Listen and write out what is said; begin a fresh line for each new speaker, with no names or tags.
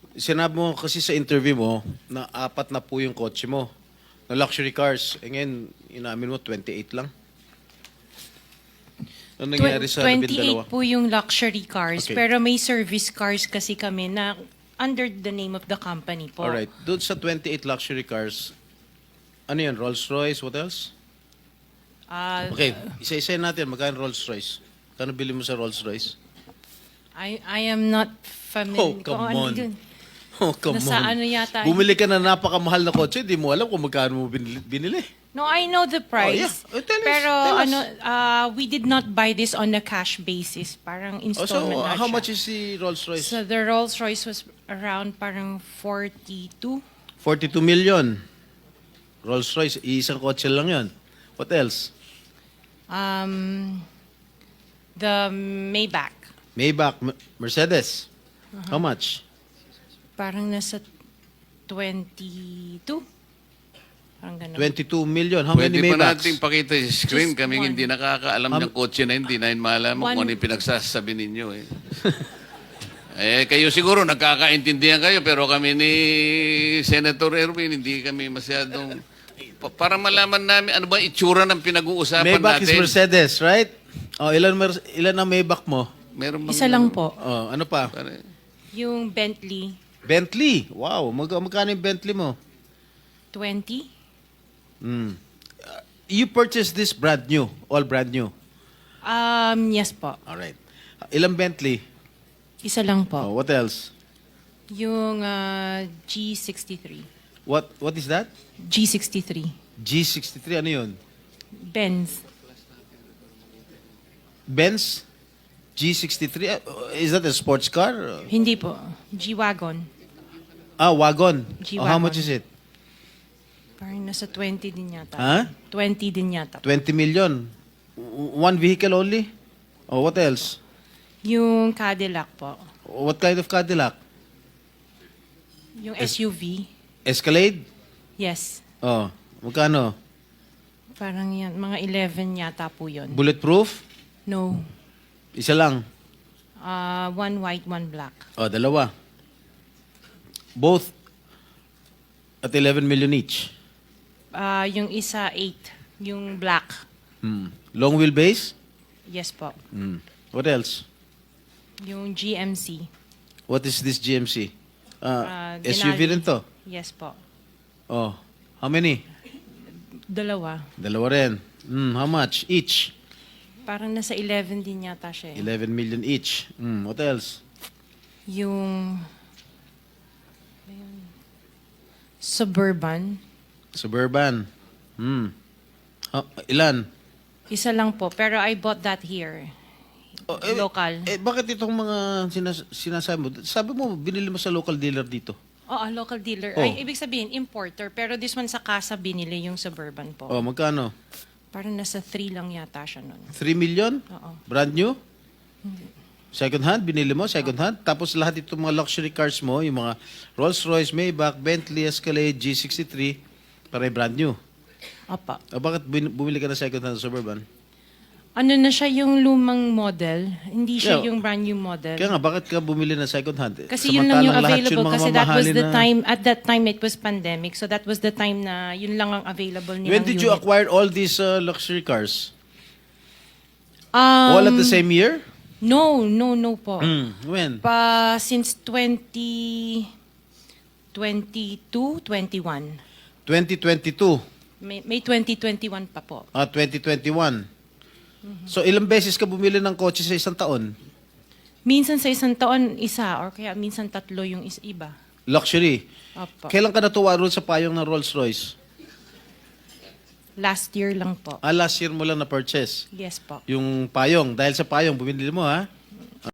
sinabi mo kasi sa interview mo na 4 na po yung kotse mo na luxury cars. E ngayon, inamin mo 28 lang. Ano nangyari sa
28
12?
po yung luxury cars,
Okay.
pero may service cars kasi kami na under the name of the company po.
Alright. Doon sa 28 luxury cars, ano yan? Rolls-Royce? What else?
Ah,
Okay. Isa-isa natin. Magkano Rolls-Royce? Kano bili mo sa Rolls-Royce?
I am not familiar.
Oh, come
kung ano
on.
yun.
Oh, come
Nasa
on.
ano yata.
Bumili ka na napakamahal na kotse, di mo alam kung magkano mo binili.
No, I know the price.
yeah. Tell us,
Pero
tell us.
we did not buy this on a cash basis. Parang
Oh,
installment
so,
na
how
siya.
much is the Rolls-Royce?
So the Rolls Royce was around parang 42.
42 million. Rolls-Royce, isang kotse lang yon. What else?
The Maybach.
Maybach, Mercedes. How much?
Parang nasa 22. Parang ganun.
22 million. How
Pwede
many
pa
Maybachs?
natin pakita yung screen.
Just
Kaming
one.
hindi nakakaalam ng kotse na hindi na malaman
One.
kung ano yung pinagsasabi ninyo. Kayo siguro nagkakaintindihan kayo, pero kami ni Senator Erwin, hindi kami masyadong... Para malaman namin ano ba itsura ng pinag-uusapan
Maybach is
natin.
Mercedes, right? Oh, ilan ang Maybach mo?
Meron bang
Isa lang po.
Oh, ano pa?
Yung Bentley,
Bentley. Wow, magkano yung Bentley mo?
20.
You purchased this brand new, all brand new.
Yes po.
All right. Ilang Bentley?
Isa lang po.
Oh, what else?
Yung G63.
What is that?
G63.
G63, ano yun?
Benz.
Benz? G63? Is that a sports car?
Hindi po. G-Wagon.
Ah, wagon.
G-Wagon.
Oh, how much is it?
Parang nasa 20 din yata.
Huh?
20 din yata.
20 million. One vehicle only? Oh, what else?
Yung Cadillac po.
What kind of Cadillac?
Yung SUV.
Escalade?
Yes.
Oh, magkano?
Parang yan. Mga 11 yata po yun.
Bulletproof?
No.
Isa lang.
One white, one black.
Oh, dalawa. Both at 11 million each.
Yung isa 8. Yung black.
Long wheelbase?
Yes po.
What else?
Yung GMC.
What is this GMC? SUV
Denali.
rin to.
Yes po.
Oh, how many?
Dalawa.
Dalawa rin. How much each?
Parang nasa 11 din yata siya.
11 million each. What else?
Yung Suburban.
Suburban. Ilan?
Isa lang po. Pero I bought that here. Local.
Bakit itong mga sinasabi mo? Sabi mo, binili mo sa local dealer dito.
Oo, local dealer.
Oh.
Ay, ibig sabihin, importer. Pero this one sa casa binili yung Suburban po.
Oh, magkano?
Parang nasa 3 lang yata siya nun.
3 million?
Oo.
Brand new? Second hand? Binili mo? Second hand? Tapos lahat itong mga luxury cars mo, yung mga Rolls-Royce, Maybach, Bentley, Escalade, G63, para brand new.
Opa.
Bakit bumili ka na second hand Suburban?
Ano na siya yung lumang model? Hindi siya
Yeah.
yung brand new model.
Kaya nga, bakit ka bumili na second hand?
Kasi yun lang yung
Samantalang lahat
available
mga
kasi that was
mamahalin
the
na-
time, at that time it was pandemic, so that was the time na yun lang ang available nilang
When did you
unit.
acquire all these luxury cars? All at the same year?
No po.
When?
Since 2022, 21.
2022.
May 2021 pa po.
2021. So ilang beses ka bumili ng kotse sa isang taon?
Minsan sa isang taon, isa, or kaya minsan 3 yung iba.
Luxury.
Opo.
Kailan ka natuwa roon sa payong ng Rolls-Royce?
Last year lang po.
Last year mo lang na-purchase.
Yes po.
Yung payong. Dahil sa payong, bumili mo ha?